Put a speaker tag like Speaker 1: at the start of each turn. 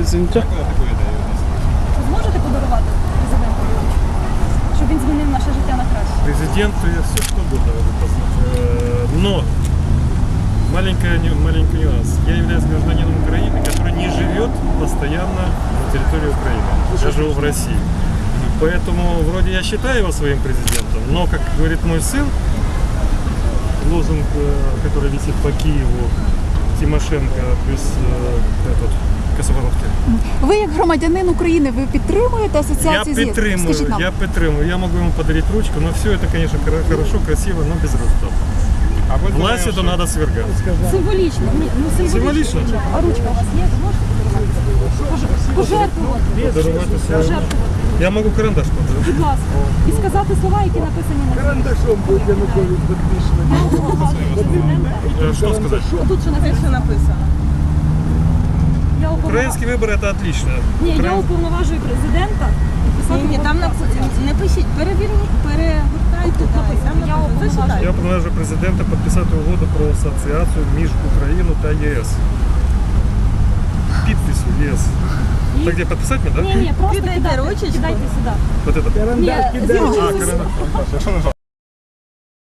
Speaker 1: президента.
Speaker 2: Ви зможете подарувати президенту, щоб він змінив наше життя на краще?
Speaker 3: Президенту я все что угодно могу послать. Но маленький нюанс. Я являюсь гражданином Украины, который не живет постоянно на территории Украины. Я живу в России. Поэтому вроде я считаю его своим президентом, но, как говорит мой сын, лозунг, который висит по Киеву, Тимошенко плюс этот, Косоворотки.
Speaker 4: Ви як громадянин України, ви підтримуєте асоціацію ЗІЛ? Скажіть нам.
Speaker 3: Я підтримую. Я могу ему подарить ручку, но все это, конечно, хорошо, красиво, но без результата. Власть это надо свергать.
Speaker 2: Символічно. Ні,
Speaker 3: Символічно?
Speaker 2: А ручка у вас є? Ви можете подарувати? Пожертвувати. Пожертвувати.
Speaker 3: Я могу карандаш подарить.
Speaker 2: Будь ласка. І сказати слова, які написані на
Speaker 1: Карандашом будет Янукович подписано.
Speaker 3: Что сказать?
Speaker 2: Тут що написано?
Speaker 3: Украинские выборы это отлично.
Speaker 2: Ні, я уповноважую президента.
Speaker 5: Ні, там не пишіть, перегортайте.
Speaker 2: Тут написано, я уповноважую.
Speaker 3: Я уповноважую президента підписати угоду про асоціацію між Україною та ЄС. Підпису ЄС. Так где подписать мне, да?
Speaker 2: Ні, просто
Speaker 5: Кидайте
Speaker 2: кидайте
Speaker 5: ручечку.
Speaker 2: сюди.
Speaker 3: Вот это.
Speaker 1: Карандаш
Speaker 2: Ні,
Speaker 1: кидай.
Speaker 2: зірочку.